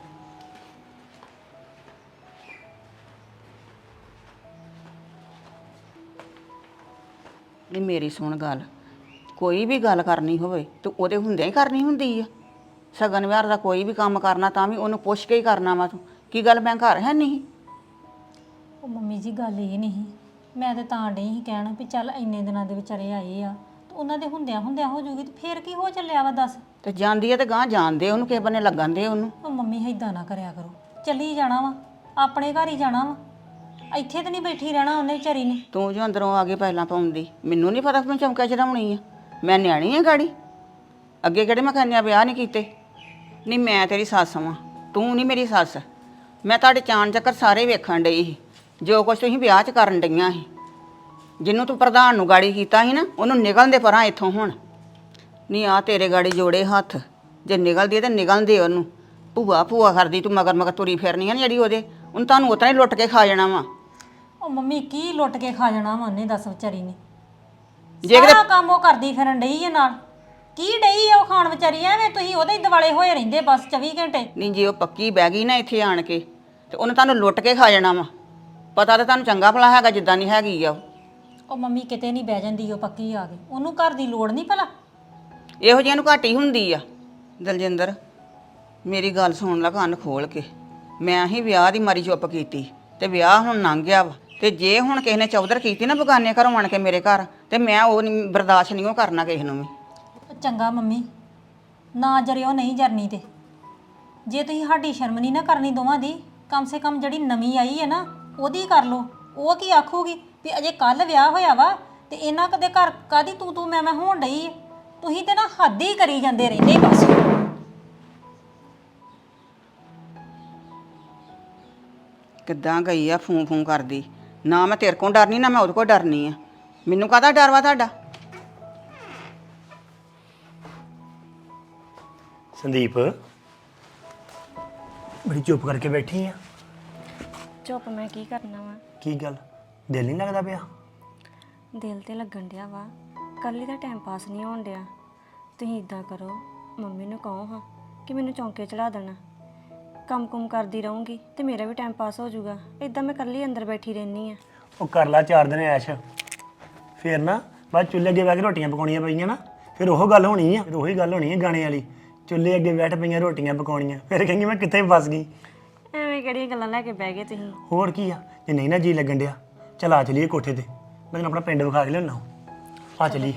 [SPEAKER 3] ਨਹੀਂ ਮੇਰੀ ਸੁਣ ਗੱਲ, ਕੋਈ ਵੀ ਗੱਲ ਕਰਨੀ ਹੋਵੇ ਤੇ ਉਹਦੇ ਹੁੰਦਿਆਂ ਹੀ ਕਰਨੀ ਹੁੰਦੀ ਆ। ਸਗਨ ਵਿਆਹ ਦਾ ਕੋਈ ਵੀ ਕੰਮ ਕਰਨਾ ਤਾਂ ਵੀ ਉਹਨੂੰ ਪੁੱਛ ਕੇ ਹੀ ਕਰਨਾ ਵਾ। ਤੂੰ ਕੀ ਗੱਲ ਮੈਂ ਘਰ ਹੈ ਨਹੀਂ?
[SPEAKER 2] ਉਹ ਮੰਮੀ ਜੀ ਗੱਲ ਇਹ ਨਹੀਂ, ਮੈਂ ਤਾਂ ਡਈ ਸੀ ਕਹਿਣ ਵੀ ਚੱਲ ਇੰਨੇ ਦਿਨਾਂ ਦੇ ਵਿਚਾਰੇ ਆਏ ਆ ਤੇ ਉਹਨਾਂ ਦੇ ਹੁੰਦਿਆਂ ਹੁੰਦਿਆਂ ਹੋ ਜੂਗੀ ਤੇ ਫੇਰ ਕੀ ਹੋ ਚੱਲਿਆ ਵਾ ਦੱਸ।
[SPEAKER 3] ਤੇ ਜਾਂਦੀ ਆ ਤੇ ਗਾਂ ਜਾਣਦੇ ਉਹਨੂੰ, ਕਿਸੇ ਬੰਨੇ ਲੱਗਣ ਦੇ ਉਹਨੂੰ।
[SPEAKER 2] ਉਹ ਮੰਮੀ ਏਦਾਂ ਨਾ ਕਰਿਆ ਕਰੋ, ਚੱਲੀ ਜਾਣਾ ਵਾ, ਆਪਣੇ ਘਰ ਹੀ ਜਾਣਾ ਵਾ, ਇੱਥੇ ਤਾਂ ਨਹੀਂ ਬੈਠੀ ਰਹਿਣਾ ਉਹਨੇ ਵਿਚਾਰੀ ਨੇ।
[SPEAKER 3] ਤੂੰ ਜੋ ਅੰਦਰੋਂ ਆ ਕੇ ਪਹਿਲਾਂ ਪਾਉਂਦੀ, ਮੈਨੂੰ ਨਹੀਂ ਪਤਾ ਕਿ ਮੈਂ ਚੌਂਕਾ ਚੜਾਉਣੀ ਆ। ਮੈਂ ਨਿਆਣੀ ਆ ਗਾੜੀ, ਅੱਗੇ ਕਿਹੜੇ ਮੈਂ ਕੰਨਿਆ ਵਿਆਹ ਨਹੀਂ ਕੀਤੇ। ਨਹੀਂ ਮੈਂ ਤੇਰੀ ਸੱਸ ਵਾਂ, ਤੂੰ ਨਹੀਂ ਮੇਰੀ ਸੱਸ। ਮੈਂ ਤੁਹਾਡੇ ਚਾਣ ਚੱਕਰ ਸਾਰੇ ਵੇਖਣ ਡਈ ਸੀ, ਜੋ ਕੁਛ ਤੁਸੀਂ ਵਿਆਹ 'ਚ ਕਰਨ ਡਈਆਂ ਸੀ। ਜਿਹਨੂੰ ਤੂੰ ਪ੍ਰਧਾਨ ਨੂੰ ਗਾੜੀ ਕੀਤਾ ਸੀ ਨਾ, ਉਹਨੂੰ ਨਿਕਲਣ ਦੇ ਪਰਾਂ ਇੱਥੋਂ ਹੁਣ। ਨਹੀਂ ਆ ਤੇਰੇ ਗਾੜੀ ਜੋੜੇ ਹੱਥ, ਜੇ ਨਿਕਲਦੀ ਹੈ ਤਾਂ ਨਿਕਲਣ ਦੇ ਉਹਨੂੰ। ਭੂਆ ਭੂਆ ਕਰਦੀ ਤੂੰ ਮਗਰ ਮਗਰ ਤੁਰੀ ਫਿਰਨੀ ਆ ਨਾ ਜਿਹੜੀ ਉਹਦੇ ਉਹਨੂੰ ਤੁਹਾਨੂੰ ਉਤਰਾ ਹੀ ਲੁੱਟ ਕੇ ਖਾ ਜਾਣਾ ਵਾ।
[SPEAKER 2] ਉਹ ਮੰਮੀ ਕੀ ਲੁੱਟ ਕੇ ਖਾ ਜਾਣਾ ਵਾ ਉਹਨੇ, ਦੱਸ ਵਿਚਾਰੀ ਨੇ।
[SPEAKER 3] ਜੇ ਕਿਤੇ
[SPEAKER 2] ਸਾਰਾ ਕੰਮ ਉਹ ਕਰਦੀ ਫਿਰਨ ਡਈ ਹੈ ਨਾਲ। ਕੀ ਡਈ ਆ ਉਹ ਖਾਣ ਵਿਚਾਰੀ? ਐਵੇਂ ਤੁਸੀਂ ਉਹਦੇ ਹੀ ਦਿਵਾਲੇ ਹੋਏ ਰਹਿੰਦੇ ਬਸ 24 ਘੰਟੇ।
[SPEAKER 3] ਨਹੀਂ ਜੇ ਉਹ ਪੱਕੀ ਬਹਿ ਗਈ ਨਾ ਇੱਥੇ ਆਣ ਕੇ ਤੇ ਉਹਨੇ ਤੁਹਾਨੂੰ ਲੁੱਟ ਕੇ ਖਾ ਜਾਣਾ ਵਾ। ਪਤਾ ਤਾਂ ਤੁਹਾਨੂੰ ਚੰਗਾ ਭਲਾ ਹੈਗਾ ਜਿੱਦਾਂ ਨਹੀਂ ਹੈਗੀ ਆ ਉਹ।
[SPEAKER 2] ਉਹ ਮੰਮੀ ਕਿਤੇ ਨਹੀਂ ਬਹਿ ਜਾਂਦੀ, ਉਹ ਪੱਕੀ ਆ ਗਈ। ਉਹਨੂੰ ਘਰ ਦੀ ਲੋੜ ਨਹੀਂ ਭਲਾ।
[SPEAKER 3] ਇਹੋ ਜਿਹੀਆਂ ਨੂੰ ਘੱਟ ਹੀ ਹੁੰਦੀ ਆ। ਦਲਜਿੰਦਰ ਮੇਰੀ ਗੱਲ ਸੁਣ ਲੈ ਕੰਨ ਖੋਲ ਕੇ। ਮੈਂ ਹੀ ਵਿਆਹ ਦੀ ਮਾਰੀ ਚੁੱਪ ਕੀਤੀ ਤੇ ਵਿਆਹ ਹੁਣ ਲੰਘ ਗਿਆ ਵਾ। ਤੇ ਜੇ ਹੁਣ ਕਿਸੇ ਨੇ ਚੌਧਰ ਕੀਤੀ ਨਾ ਬਗਾਨੇ ਘਰੋਂ ਆਣ ਕੇ ਮੇਰੇ ਘਰ ਤੇ ਮੈਂ ਉਹ ਨਹੀਂ ਬਰਦਾਸ਼ਤ ਨਹੀਂ ਉਹ ਕਰਨਾ ਕਿਸੇ ਨੂੰ ਵੀ।
[SPEAKER 2] ਚੰਗਾ ਮੰਮੀ, ਨਾ ਜਰਿਓ ਨਹੀਂ ਜਰਨੀ ਤੇ। ਜੇ ਤੁਸੀਂ ਸਾਡੀ ਸ਼ਰਮ ਨਹੀਂ ਨਾ ਕਰਨੀ ਦੋਵਾਂ ਦੀ, ਕਮ ਸੇ ਕਮ ਜਿਹੜੀ ਨਵੀਂ ਆਈ ਹੈ ਨਾ ਉਹਦੀ ਕਰ ਲਓ। ਉਹ ਕੀ ਆਖੂਗੀ ਵੀ ਅਜੇ ਕੱਲ ਵਿਆਹ ਹੋਇਆ ਵਾ ਤੇ ਇਹਨਾਂ ਕਦੇ ਘਰ ਕਾਦੀ ਤੂੰ ਮੈਂ ਹੋਣ ਡਈ ਹੈ। ਤੁਸੀਂ ਤੇ ਨਾ ਹੱਦ ਹੀ ਕਰੀ ਜਾਂਦੇ ਰਹਿੰਦੇ ਬਸ।
[SPEAKER 3] ਕਿੱਦਾਂ ਗਈ ਆ ਫੂੰ ਫੂੰ ਕਰਦੀ। ਨਾ ਮੈਂ ਤੇਰੇ ਕੋਲ ਡਰਨੀ ਨਾ ਮੈਂ ਉਹਦੇ ਕੋਲ ਡਰਨੀ ਆ। ਮੈਨੂੰ ਕਾਹਦਾ ਡਰ ਵਾ ਤੁਹਾਡਾ?
[SPEAKER 6] ਸੰਦੀਪ ਬੜੀ ਚੁੱਪ ਕਰਕੇ ਬੈਠੀ ਆ।
[SPEAKER 7] ਚੁੱਪ ਮੈਂ ਕੀ ਕਰਨਾ ਵਾ?
[SPEAKER 6] ਕੀ ਗੱਲ ਦਿਲ ਨਹੀਂ ਲੱਗਦਾ ਪਿਆ?
[SPEAKER 7] ਦਿਲ ਤੇ ਲੱਗਣ ਡਿਆ ਵਾ, ਕੱਲੀ ਦਾ ਟਾਈਮ ਪਾਸ ਨਹੀਂ ਹੋਣ ਡਿਆ। ਤੁਸੀਂ ਇਦਾਂ ਕਰੋ, ਮੰਮੀ ਨੂੰ ਕਹੋ ਹਾਂ ਕਿ ਮੈਨੂੰ ਚੌਂਕੇ ਚੜਾ ਦੇਣਾ। ਕੰਮ ਕਰਦੀ ਰਹੂੰਗੀ ਤੇ ਮੇਰਾ ਵੀ ਟਾਈਮ ਪਾਸ ਹੋ ਜਾਊਗਾ। ਇਦਾਂ ਮੈਂ ਕੱਲੀ ਅੰਦਰ ਬੈਠੀ ਰਹਿੰਦੀ ਆ।
[SPEAKER 6] ਉਹ ਕਰ ਲਾ 4 ਦਿਨ ਐਸ਼, ਫਿਰ ਨਾ ਬਾਅਦ ਚੁੱਲ੍ਹੇ ਅੱਗੇ ਬਹਿ ਕੇ ਰੋਟੀਆਂ ਪਕਾਉਣੀਆਂ ਪਈਆਂ ਨਾ, ਫਿਰ ਉਹ ਗੱਲ ਹੋਣੀ ਆ। ਫਿਰ ਉਹੀ ਗੱਲ ਹੋਣੀ ਆ ਗਾਣੇ ਵਾਲੀ, ਚੁੱਲ੍ਹੇ ਅੱਗੇ ਬੈਠ ਪਈਆਂ ਰੋਟੀਆਂ ਪਕਾਉਣੀਆਂ। ਫਿਰ ਕਹਿੰਗੀ ਮੈਂ ਕਿੱਥੇ ਫਸ ਗਈ।
[SPEAKER 7] ਐਵੇਂ ਕਿਹੜੀਆਂ ਗੱਲਾਂ ਲੈ ਕੇ ਬਹਿ ਗਏ ਤੁਸੀਂ?
[SPEAKER 6] ਹੋਰ ਕੀ ਆ, ਜੇ ਨਹੀਂ ਨਾ ਜੀ ਲੱਗਣ ਡਿਆ ਚਲ ਆ ਚਲੀਏ ਕੋਠੇ ਤੇ, ਮੈਂ ਤੈਨੂੰ ਆਪਣਾ ਪਿੰਡ ਵਿਖਾ ਕੇ ਲਿਆਉਣਾ। ਆ ਚਲੀਏ,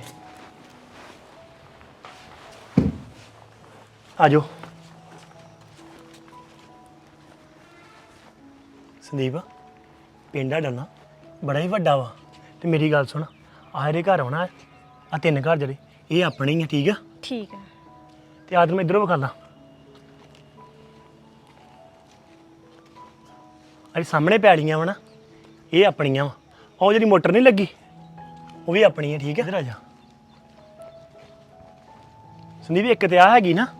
[SPEAKER 6] ਆ ਜਾਓ। ਸੰਦੀਪ ਪਿੰਡ ਸਾਡਾ ਨਾ ਬੜਾ ਹੀ ਵੱਡਾ ਵਾ ਤੇ ਮੇਰੀ ਗੱਲ ਸੁਣ, ਆਹ ਇਹਦੇ ਘਰ ਆਉਣਾ ਆ 3 ਘਰ ਜਿਹੜੇ ਇਹ ਆਪਣੇ ਹੀ ਆ, ਠੀਕ ਆ?
[SPEAKER 7] ਠੀਕ ਆ।
[SPEAKER 6] ਤੇ ਆਦਰ ਮੈਂ ਇੱਧਰੋਂ ਵਿਖਾ ਲਾਂ। ਅਰੇ ਸਾਹਮਣੇ ਪੈਲੀਆਂ ਵਾ ਨਾ ਇਹ ਆਪਣੀਆਂ ਵਾ। ਉਹ ਜਿਹੜੀ ਮੋਟਰ ਨਹੀਂ ਲੱਗੀ ਉਹ ਵੀ ਆਪਣੀ ਹੈ, ਠੀਕ ਹੈ? ਇੱਧਰ ਆ ਜਾ ਸੰਦੀਪ। ਇੱਕ ਤੇ ਆ ਹੈਗੀ ਨਾ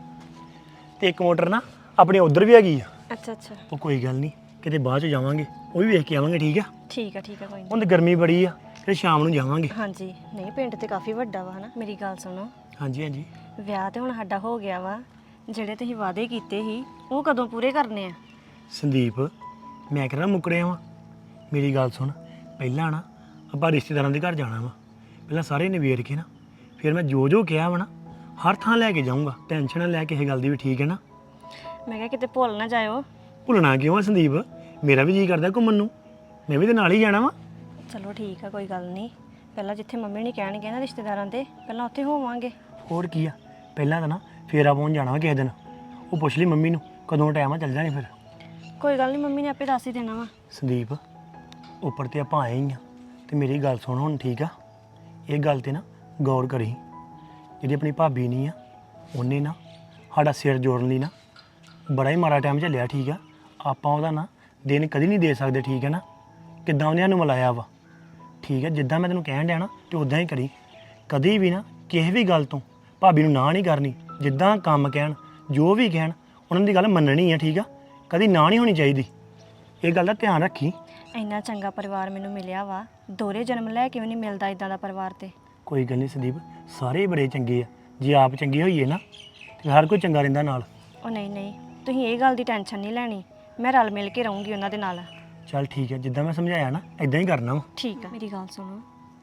[SPEAKER 6] ਤੇ ਇੱਕ ਮੋਟਰ ਨਾ ਆਪਣੀ ਉਧਰ ਵੀ ਹੈਗੀ ਆ।
[SPEAKER 7] ਅੱਛਾ ਅੱਛਾ,
[SPEAKER 6] ਉਹ ਕੋਈ ਗੱਲ ਨਹੀਂ, ਕਿਤੇ ਬਾਅਦ ਚ ਜਾਵਾਂਗੇ ਉਹ ਵੀ ਵੇਖ ਕੇ ਆਵਾਂਗੇ, ਠੀਕ ਆ?
[SPEAKER 7] ਠੀਕ ਆ ਕੋਈ ਨਹੀਂ।
[SPEAKER 6] ਹੁਣ ਤੇ ਗਰਮੀ ਬੜੀ ਆ, ਫਿਰ ਸ਼ਾਮ ਨੂੰ ਜਾਵਾਂਗੇ।
[SPEAKER 7] ਹਾਂਜੀ, ਨਹੀਂ ਪਿੰਡ ਤੇ ਕਾਫੀ ਵੱਡਾ ਵਾ ਹਨਾ। ਮੇਰੀ ਗੱਲ ਸੁਣੋ,
[SPEAKER 6] ਹਾਂਜੀ ਹਾਂਜੀ।
[SPEAKER 7] ਵਿਆਹ ਤੇ ਹੁਣ ਸਾਡਾ ਹੋ ਗਿਆ ਵਾ, ਜਿਹੜੇ ਤੁਸੀਂ ਵਾਅਦੇ ਕੀਤੇ ਸੀ ਉਹ ਕਦੋਂ ਪੂਰੇ ਕਰਨੇ ਆ?
[SPEAKER 6] ਸੰਦੀਪ ਮੈਂ ਕਿਹੜਾ ਮੁੱਕਰਿਆ ਵਾਂ? ਮੇਰੀ ਗੱਲ ਸੁਣ, ਪਹਿਲਾਂ ਨਾ ਆਪਾਂ ਰਿਸ਼ਤੇਦਾਰਾਂ ਦੇ ਘਰ ਜਾਣਾ ਵਾ, ਪਹਿਲਾਂ ਸਾਰੇ ਨਿਬੇੜ ਕੇ ਨਾ ਫਿਰ ਮੈਂ ਜੋ ਕਿਹਾ ਵਾ ਨਾ ਹਰ ਥਾਂ ਲੈ ਕੇ ਜਾਊਂਗਾ। ਟੈਨਸ਼ਨ ਨਾ ਲੈ ਕਿਸੇ ਗੱਲ ਦੀ ਵੀ, ਠੀਕ ਹੈ ਨਾ?
[SPEAKER 7] ਮੈਂ ਕਿਹਾ ਕਿਤੇ ਭੁੱਲ ਨਾ ਜਾਇਓ।
[SPEAKER 6] ਭੁੱਲਣਾ ਕਿਉਂ ਆ ਸੰਦੀਪ, ਮੇਰਾ ਵੀ ਜੀ ਕਰਦਾ ਘੁੰਮਣ ਨੂੰ, ਮੈਂ ਵੀ ਤੇ ਨਾਲ ਹੀ ਜਾਣਾ ਵਾ।
[SPEAKER 7] ਚਲੋ ਠੀਕ ਆ, ਕੋਈ ਗੱਲ ਨਹੀਂ। ਪਹਿਲਾਂ ਜਿੱਥੇ ਮੰਮੀ ਨੇ ਕਹਿਣਗੇ ਨਾ ਰਿਸ਼ਤੇਦਾਰਾਂ ਦੇ, ਪਹਿਲਾਂ ਉੱਥੇ ਹੋਵਾਂਗੇ।
[SPEAKER 6] ਹੋਰ ਕੀ ਆ, ਪਹਿਲਾਂ ਤਾਂ ਨਾ ਫੇਰਾ ਪਾਉਣ ਜਾਣਾ ਵਾ ਕਿਸੇ ਦਿਨ। ਉਹ ਪੁੱਛ ਲਈ ਮੰਮੀ ਨੂੰ ਕਦੋਂ ਟਾਈਮ ਆ, ਚੱਲ ਜਾਣੀ ਫਿਰ।
[SPEAKER 7] ਕੋਈ ਗੱਲ ਨਹੀਂ, ਮੰਮੀ ਨੇ ਆਪੇ ਦੱਸ ਹੀ ਦੇਣਾ ਵਾ।
[SPEAKER 6] ਸੰਦੀਪ ਉੱਪਰ ਤੇ ਆਪਾਂ ਆਏ ਹੀ ਆ ਤੇ ਮੇਰੀ ਗੱਲ ਸੁਣ ਹੁਣ, ਠੀਕ ਆ? ਇਹ ਗੱਲ ਤੇ ਨਾ ਗੌਰ ਕਰੀ। ਜਿਹੜੀ ਆਪਣੀ ਭਾਬੀ ਨਹੀਂ ਆ ਉਹਨੇ ਨਾ ਸਾਡਾ ਸਿਰ ਜੋੜਨ ਲਈ ਨਾ ਬੜਾ ਹੀ ਮਾੜਾ ਟਾਈਮ ਝੱਲਿਆ, ਠੀਕ ਆ? ਆਪਾਂ ਉਹਦਾ ਨਾ ਦਿਨ ਕਦੀ ਨਹੀਂ ਦੇ ਸਕਦੇ, ਠੀਕ ਹੈ ਨਾ? ਕਿੱਦਾਂ ਉਹਨੇ ਸਾਨੂੰ ਮਿਲਾਇਆ ਵਾ, ਠੀਕ ਹੈ? ਜਿੱਦਾਂ ਮੈਂ ਤੈਨੂੰ ਕਹਿਣ ਡਿਆ ਨਾ ਤੇ ਉਦਾਂ ਹੀ ਕਰੀ। ਕਦੀ ਵੀ ਨਾ ਕਿਸੇ ਵੀ ਗੱਲ ਤੋਂ ਭਾਬੀ ਨੂੰ ਨਾ ਨਹੀਂ ਕਰਨੀ। ਜਿੱਦਾਂ ਕੰਮ ਕਹਿਣ, ਜੋ ਵੀ ਕਹਿਣ, ਉਹਨਾਂ ਦੀ ਗੱਲ ਮੰਨਣੀ ਆ, ਠੀਕ ਆ? ਕਦੀ ਨਾ ਨਹੀਂ ਹੋਣੀ ਚਾਹੀਦੀ। ਇਹ ਗੱਲ ਦਾ ਧਿਆਨ ਰੱਖੀ।
[SPEAKER 7] ਇੰਨਾ ਚੰਗਾ ਪਰਿਵਾਰ ਮੈਨੂੰ ਮਿਲਿਆ ਵਾ, ਦੋਹਰੇ ਜਨਮ ਲੈ ਕੇ ਵੀ ਨਹੀਂ ਮਿਲਦਾ ਇਦਾਂ ਦਾ ਪਰਿਵਾਰ। ਤੇ
[SPEAKER 6] ਕੋਈ ਗੱਲ ਨਹੀਂ ਸੰਦੀਪ, ਸਾਰੇ ਬੜੇ ਚੰਗੇ ਆ। ਜੇ ਆਪ ਚੰਗੇ ਹੋਈਏ ਨਾ ਤੇ ਹਰ ਕੋਈ ਚੰਗਾ ਰਹਿੰਦਾ ਨਾਲ।
[SPEAKER 7] ਉਹ ਨਹੀਂ, ਤੁਸੀਂ ਇਹ ਗੱਲ ਦੀ ਟੈਨਸ਼ਨ ਨਹੀਂ ਲੈਣੀ, ਮੈਂ ਰਲ ਮਿਲ ਕੇ ਰਹੂੰਗੀ ਉਹਨਾਂ ਦੇ ਨਾਲ।
[SPEAKER 6] ਚੱਲ ਠੀਕ ਹੈ, ਜਿੱਦਾਂ ਮੈਂ ਸਮਝਾਇਆ ਨਾ ਇਦਾਂ ਹੀ ਕਰਨਾ ਵਾ।
[SPEAKER 7] ਠੀਕ ਆ। ਮੇਰੀ ਗੱਲ ਸੁਣੋ,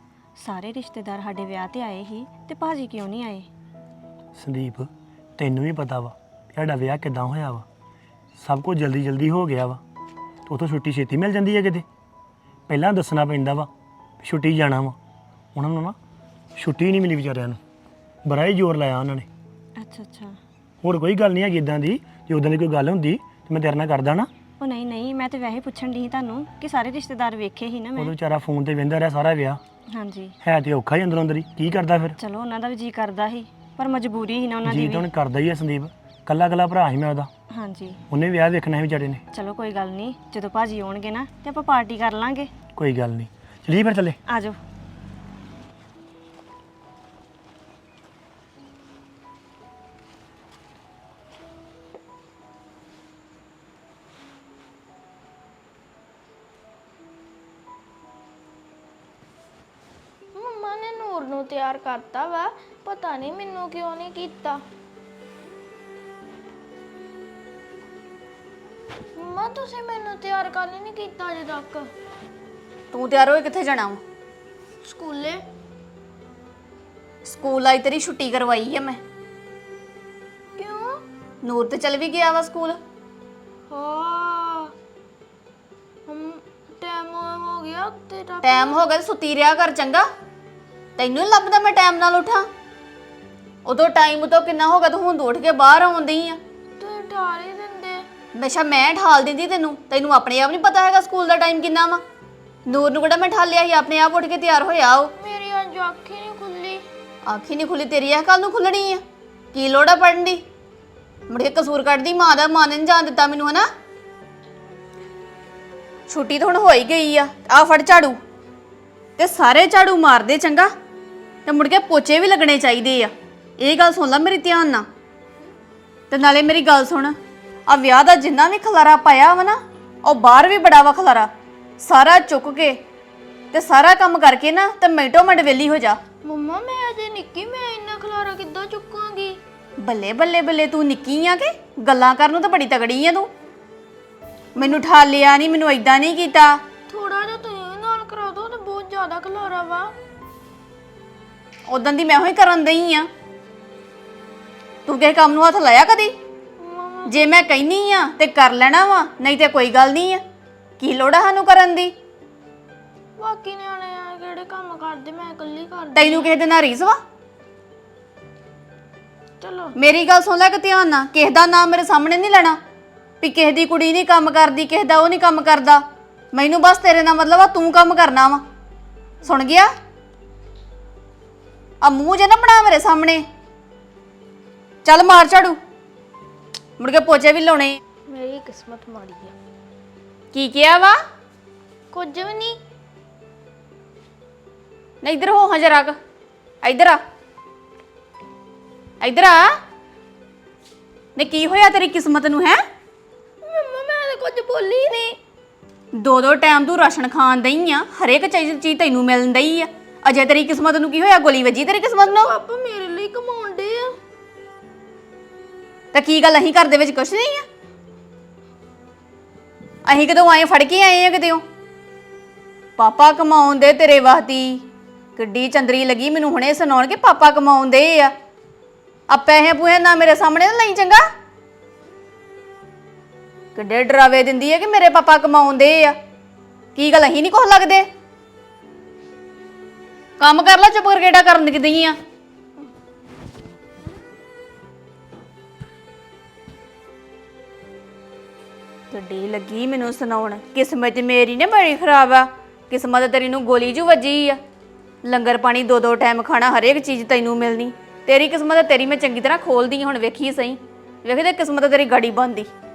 [SPEAKER 7] ਸਾਰੇ ਰਿਸ਼ਤੇਦਾਰ ਸਾਡੇ ਵਿਆਹ ਤੇ ਆਏ ਸੀ ਤੇ ਭਾਜੀ ਕਿਉਂ ਨਹੀਂ ਆਏ?
[SPEAKER 6] ਸੰਦੀਪ ਤੈਨੂੰ ਵੀ ਪਤਾ ਵਾ ਸਾਡਾ ਵਿਆਹ ਕਿੱਦਾਂ ਹੋਇਆ ਵਾ, ਸਭ ਕੁਝ ਜਲਦੀ ਹੋ ਗਿਆ ਵਾ ਤੇ ਉੱਥੋਂ ਛੁੱਟੀ ਛੇਤੀ ਮਿਲ ਜਾਂਦੀ ਹੈ ਕਿਤੇ। ਪਹਿਲਾਂ ਦੱਸਣਾ ਪੈਂਦਾ ਵਾ ਛੁੱਟੀ ਜਾਣਾ ਵਾ, ਉਹਨਾਂ ਨੂੰ ਨਾ ਛੁੱਟੀ ਨਹੀਂ ਮਿਲੀ ਵਿਚਾਰਿਆਂ ਨੂੰ, ਬੜਾ ਹੀ ਜ਼ੋਰ ਲਾਇਆ ਉਹਨਾਂ ਨੇ।
[SPEAKER 7] ਅੱਛਾ,
[SPEAKER 6] ਹੋਰ ਕੋਈ ਗੱਲ ਨਹੀਂ ਹੈਗੀ ਇਦਾਂ ਦੀ। ਜੇ ਉਦਾਂ ਦੀ ਕੋਈ ਗੱਲ ਹੁੰਦੀ ਤੇ ਮੈਂ ਤੇਰੇ ਨਾਲ ਕਰਦਾ ਨਾ।
[SPEAKER 7] ਉਹ ਨਹੀਂ, ਮੈਂ ਤੇ ਵੈਸੇ ਪੁੱਛਣ ਦੀ ਸੀ ਤੁਹਾਨੂੰ ਕਿ ਸਾਰੇ ਰਿਸ਼ਤੇਦਾਰ ਵੇਖੇ ਸੀ ਨਾ
[SPEAKER 6] ਉਹ
[SPEAKER 7] ਮੈਂ।
[SPEAKER 6] ਵਿਚਾਰਾ ਫੋਨ ਤੇ ਵਹਿੰਦਾ ਰਿਹਾ ਸਾਰਾ ਵਿਆਹ,
[SPEAKER 7] ਹਾਂਜੀ।
[SPEAKER 6] ਹੈ ਤੇ ਔਖਾ ਹੀ ਅੰਦਰੋਂ ਅੰਦਰ ਹੀ, ਕੀ ਕਰਦਾ ਫਿਰ?
[SPEAKER 7] ਚਲੋ ਉਹਨਾਂ ਦਾ ਵੀ ਜੀ ਕਰਦਾ ਸੀ, ਪਰ ਮਜਬੂਰੀ ਸੀ ਨਾ ਉਹਨਾਂ ਦੀ
[SPEAKER 6] ਜੀ
[SPEAKER 7] ਵੀ।
[SPEAKER 6] ਤਾਂ ਹੁਣ ਕਰਦਾ ਹੀ ਆ ਸੰਦੀਪ, ਕੱਲਾ ਭਰਾ ਸੀ ਮੈਂ ਉਹਦਾ,
[SPEAKER 7] ਹਾਂਜੀ।
[SPEAKER 6] ਉਹਨੇ ਵਿਆਹ ਵੇਖਣਾ ਸੀ ਵਿਚਾਰੇ ਨੇ।
[SPEAKER 7] ਚਲੋ ਕੋਈ ਗੱਲ ਨਹੀਂ, ਜਦੋਂ ਭਾਜੀ ਆਉਣਗੇ ਨਾ ਤੇ ਆਪਾਂ ਪਾਰਟੀ ਕਰ ਲਾਂਗੇ।
[SPEAKER 6] ਕੋਈ ਗੱਲ ਨਹੀਂ, ਚਲੀਏ ਫਿਰ ਚੱਲੇ।
[SPEAKER 7] ਆ ਜਾਓ।
[SPEAKER 5] ਨੂੰ ਤਿਆਰ ਕਰਤਾ ਵਾ, ਪਤਾ ਨਹੀਂ ਮੈਨੂੰ ਕਿਉਂ ਨਹੀਂ ਕੀਤਾ। ਮੰਮਾ ਤੁਸੀਂ ਮੈਨੂੰ ਤਿਆਰ ਕਰ ਨਹੀਂ ਕੀਤਾ ਅਜੇ ਤੱਕ।
[SPEAKER 4] ਤੂੰ ਤਿਆਰ ਹੋਏ ਕਿੱਥੇ ਜਾਣਾ ਵਾ?
[SPEAKER 5] ਸਕੂਲੇ
[SPEAKER 4] ਸਕੂਲ ਆਈ ਤੇਰੀ ਛੁੱਟੀ ਕਰਵਾਈ ਆ ਮੈਂ।
[SPEAKER 5] ਕਿਉਂ?
[SPEAKER 4] ਨੂਰ ਤੇ ਚਲ ਵੀ ਗਿਆ ਵਾ ਸਕੂਲ।
[SPEAKER 5] ਹਾਂ ਹਮ ਟਾਈਮ ਹੋ ਗਿਆ ਤੇਰਾ।
[SPEAKER 4] ਟਾਈਮ ਹੋ ਗਿਆ ਤੇ ਸੁੱਤੀ ਰਿਹਾ ਕਰ ਚੰਗਾ। ਤੈਨੂੰ ਨੀ ਲੱਭਦਾ ਮੈਂ ਟਾਈਮ ਨਾਲ ਉਠਾਂ? ਉਦੋਂ ਟਾਈਮ ਤੋਂ ਕਿੰਨਾ ਹੋ ਗਿਆ ਤੂੰ ਹੁਣ ਉੱਠ ਕੇ ਬਾਹਰ ਆਉਂਦੀ ਆ।
[SPEAKER 5] ਤੂੰ ਠਾਲ ਹੀ ਦਿੰਦੇ।
[SPEAKER 4] ਹਮੇਸ਼ਾ ਮੈਂ ਠਾਲ ਦਿੰਦੀ ਤੈਨੂੰ ਆਪਣੇ ਆਪ ਨਹੀਂ ਪਤਾ ਹੈਗਾ ਸਕੂਲ ਦਾ ਟਾਈਮ ਕਿੰਨਾ ਵਾ। ਨੂਰ ਨੂੰ ਕਿਹੜਾ ਮੈਂ ਠਾਲਿਆ ਸੀ, ਆਪਣੇ ਆਪ ਉੱਠ ਕੇ ਤਿਆਰ ਹੋਇਆ ਉਹ।
[SPEAKER 5] ਮੇਰੀ ਅੱਜ ਅੱਖ ਹੀ ਨਹੀਂ ਖੁੱਲੀ।
[SPEAKER 4] ਅੱਖ ਹੀ ਨਹੀਂ ਖੁੱਲੀ ਤੇਰੀ, ਆ ਕੱਲ ਨੂੰ ਖੁੱਲਣੀ ਆ। ਕੀ ਲੋੜ ਆ ਪੜਨ ਦੀ? ਮੁੜ ਕੇ ਕਸੂਰ ਕੱਢਦੀ ਮਾਂ ਦਾ, ਮਾਂ ਨੇ ਨੀ ਜਾਣ ਦਿੱਤਾ ਮੈਨੂੰ ਹਨਾ। ਛੁੱਟੀ ਤਾਂ ਹੁਣ ਹੋ ਹੀ ਗਈ ਆ ਫੜ ਝਾੜੂ ਤੇ ਸਾਰੇ ਝਾੜੂ ਮਾਰਦੇ ਚੰਗਾ, ਤੇ ਮੁੜ ਕੇ ਪੋਚੇ ਵੀ ਲੱਗਣੇ ਚਾਹੀਦੇ ਆ। ਇਹ ਗੱਲ ਸੁਣ ਲੈ ਮੇਰੀ ਧਿਆਨ ਨਾਲ। ਤੇ ਨਾਲੇ ਮੇਰੀ ਗੱਲ ਸੁਣ, ਆ ਵਿਆਹ ਦਾ ਜਿੰਨਾ ਵੀ ਖਲਾਰਾ ਪਾਇਆ ਵਾ ਨਾ, ਉਹ ਬਾਹਰ ਵੀ ਬੜਾ ਵਾ ਖਲਾਰਾ। ਸਾਰਾ ਚੁੱਕ ਕੇ ਤੇ ਸਾਰਾ ਕੰਮ ਕਰਕੇ ਨਾ ਤੇ ਮਿੰਟੋ ਮਿੰਟ ਵਿਹਲੀ ਹੋ ਜਾ।
[SPEAKER 5] ਮੰਮਾ ਮੈਂ ਅਜੇ ਨਿੱਕੀ, ਮੈਂ ਇੰਨਾ ਖਲਾਰਾ ਕਿੱਦਾਂ ਚੁੱਕਾਂਗੀ?
[SPEAKER 4] ਬੱਲੇ ਬੱਲੇ ਬੱਲੇ, ਤੂੰ ਨਿੱਕੀ ਆ ਕਿ ਗੱਲਾਂ ਕਰਨ ਨੂੰ ਤਾਂ ਬੜੀ ਤਗੜੀ ਆ ਤੂੰ। ਮੈਨੂੰ ਠਾਲਿਆ ਨਹੀਂ, ਮੈਨੂੰ ਏਦਾਂ ਨਹੀਂ ਕੀਤਾ।
[SPEAKER 5] ਥੋੜਾ ਜਿਹਾ ਤੁਸੀਂ ਨਾਲ ਕਰਾ ਦੋ, ਤੇ ਬਹੁਤ ਜ਼ਿਆਦਾ ਖਲਾਰਾ ਵਾ।
[SPEAKER 4] ਉਦੋਂ ਦੀ ਮੈਂ ਹੋਈ ਕਰਨ ਦਈ ਆ। ਤੂੰ ਕਿਸੇ ਕੰਮ ਨੂੰ ਹੱਥ ਲਾਇਆ ਕਦੀ? ਜੇ ਮੈਂ ਕਹਿਨੀ ਆ ਤੇ ਕਰ ਲੈਣਾ ਵਾ, ਨਹੀਂ ਤੇ ਕੋਈ ਗੱਲ ਨਹੀਂ ਆ। ਕੀ ਲੋੜ ਆ ਸਾਨੂੰ ਕਰਨ ਦੀ?
[SPEAKER 5] ਬਾਕੀ ਨਿਆਣੇ ਆ ਕਿਹੜੇ ਕੰਮ ਕਰਦੇ, ਮੈਂ ਇਕੱਲੀ ਕਰਦੀ।
[SPEAKER 4] ਤੈਨੂੰ ਕਿਸੇ ਦੇ ਨਾਲ ਰੀਸ ਵਾ?
[SPEAKER 5] ਚਲੋ
[SPEAKER 4] ਮੇਰੀ ਗੱਲ ਸੁਣ ਲੈ ਕਿ ਧਿਆਨ ਨਾਲ, ਕਿਸੇ ਦਾ ਨਾਮ ਮੇਰੇ ਸਾਹਮਣੇ ਨਹੀਂ ਲੈਣਾ ਵੀ ਕਿਸੇ ਦੀ ਕੁੜੀ ਨਹੀਂ ਕੰਮ ਕਰਦੀ, ਕਿਸੇ ਦਾ ਉਹ ਨਹੀਂ ਕੰਮ ਕਰਦਾ। ਮੈਨੂੰ ਬਸ ਤੇਰੇ ਨਾਲ ਮਤਲਬ ਆ ਤੂੰ ਕੰਮ ਕਰਨਾ ਵਾ। ਸੁਣ ਗਿਆ? ਆ ਮੂੰਹ ਜੇ ਨਾ ਬਣਾ ਮੇਰੇ ਸਾਹਮਣੇ। ਚੱਲ ਮਾਰ ਝਾੜੂ, ਮੁੜ ਕੇ ਪੋਚੇ ਵੀ ਲਾਉਣੇ।
[SPEAKER 5] ਮੇਰੀ ਕਿਸਮਤ ਮਾੜੀ ਆ।
[SPEAKER 4] ਕੀ ਕਿਹਾ ਵਾ?
[SPEAKER 5] ਕੁਝ ਵੀ ਨਹੀਂ।
[SPEAKER 4] ਨਹੀਂ ਇੱਧਰ ਹੋ ਹਾਂ ਜਰਾ, ਇੱਧਰ ਆ, ਇੱਧਰ ਆ। ਨੇ ਕੀ ਹੋਇਆ ਤੇਰੀ ਕਿਸਮਤ ਨੂੰ ਹੈ?
[SPEAKER 5] ਮੰਮਾ ਮੈਂ ਤਾਂ ਕੁਝ ਬੋਲੀ ਨਹੀਂ।
[SPEAKER 4] ਦੋ ਟਾਈਮ ਤੂੰ ਰਾਸ਼ਨ ਖਾਣ ਦਈ ਆ, ਹਰੇਕ ਚੀਜ਼ ਤੈਨੂੰ ਮਿਲਣ ਦਈ ਆ। ਅਜੇ ਤੇਰੀ ਕਿਸਮਤ ਨੂੰ ਕੀ ਹੋਇਆ? ਗੋਲੀ ਵੱਜੀ ਤੇਰੀ ਕਿਸਮਤ ਨੂੰ।
[SPEAKER 5] ਪਾਪਾ ਮੇਰੇ ਲਈ ਕਮਾਉਂਦੇ ਆ।
[SPEAKER 4] ਤਾਂ ਕੀ ਗੱਲ, ਅਸੀਂ ਘਰ ਦੇ ਵਿੱਚ ਕੁਛ ਨਹੀਂ ਆ? ਅਸੀਂ ਕਦੋਂ ਆਏ, ਫੜ ਕੇ ਆਏ ਆ ਕਿਤੇੋਂ? ਪਾਪਾ ਕਮਾਉਂਦੇ ਤੇਰੇ ਵਾਸਤੇ। ਕਿੱਡੀ ਚੰਦਰੀ ਲੱਗੀ ਮੈਨੂੰ ਹੁਣੇ ਸੁਣਾਉਣ ਕੇ ਪਾਪਾ ਕਮਾਉਂਦੇ ਆ। ਆ ਪੈਸੇ ਪੂਹੇ ਨਾ ਮੇਰੇ ਸਾਹਮਣੇ ਨਾ ਲਈ ਚੰਗਾ। ਕਿੱਡੇ ਡਰਾਵੇ ਦਿੰਦੀ ਹੈ ਕਿ ਮੇਰੇ ਪਾਪਾ ਕਮਾਉਂਦੇ ਆ। ਕੀ ਗੱਲ, ਅਸੀਂ ਨਹੀਂ ਕੁਛ ਲੱਗਦੇ? ਕੰਮ ਕਰ ਲੈ, ਚੁੱਪ ਕਰਕੇ ਏਡਾ ਕਰਨ ਦਿਖਦੀ ਆ। ਕਿੱਡੀ ਲੱਗੀ ਮੈਨੂੰ ਸੁਣਾਉਣ। ਕਿਸਮਤ ਮੇਰੀ ਨੇ ਬੜੀ ਖਰਾਬ ਆ। ਕਿਸਮਤ ਤੇਰੀ ਨੂੰ ਗੋਲੀ ਜੂ ਵੱਜੀ ਆ। ਲੰਗਰ ਪਾਣੀ ਦੋ ਟਾਈਮ ਖਾਣਾ, ਹਰੇਕ ਚੀਜ਼ ਤੈਨੂੰ ਮਿਲਣੀ। ਤੇਰੀ ਕਿਸਮਤ ਤੇਰੀ ਮੈਂ ਚੰਗੀ ਤਰ੍ਹਾਂ ਖੋਲਦੀ ਹੁਣ, ਵੇਖੀ ਸਹੀ। ਵੇਖਦੇ ਕਿਸਮਤ ਤੇਰੀ ਗਾੜੀ ਬਣਦੀ।